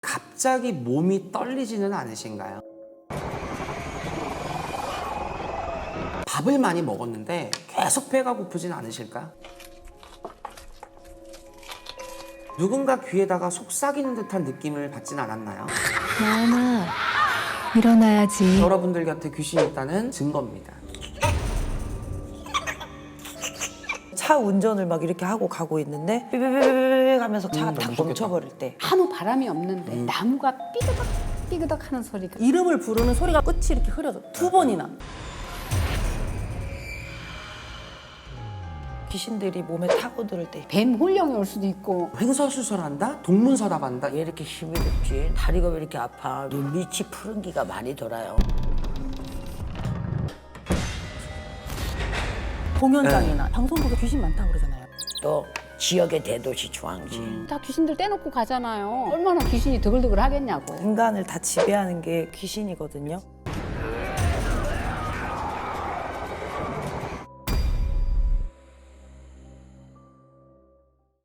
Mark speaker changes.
Speaker 1: 갑자기 몸이 떨리지는 않으신가요? 밥을 많이 먹었는데 계속 배가 고프진 않으실까요? 누군가 귀에다가 속삭이는 듯한 느낌을 받진 않았나요?
Speaker 2: 나은아, 일어나야지.
Speaker 1: 여러분들 곁에 귀신이 있다는 증거입니다.
Speaker 3: 차 운전을 막 이렇게 하고 가고 있는데 삐삐삐삐 하면서 차가 탁
Speaker 1: 무섭겠다.
Speaker 3: 멈춰버릴 때
Speaker 4: 아무 바람이 없는데 나무가 삐그덕 삐그덕 하는 소리가
Speaker 5: 이름을 부르는 소리가 끝이 이렇게 흐려져. 2번이나.
Speaker 3: 귀신들이 몸에 타고들 때
Speaker 4: 뱀 홀령이 올 수도 있고
Speaker 1: 횡설수설한다? 동문서답한다?
Speaker 6: 왜 이렇게 힘이 듭지? 다리가 왜 이렇게 아파? 눈밑이 푸른 기가 많이 돌아요.
Speaker 5: 공연장이나 방송국에 귀신 많다고 그러잖아요.
Speaker 6: 또 지역의 대도시 중앙지.
Speaker 4: 다 귀신들 떼놓고 가잖아요. 얼마나 귀신이 드글드글 하겠냐고.
Speaker 3: 인간을 다 지배하는 게 귀신이거든요.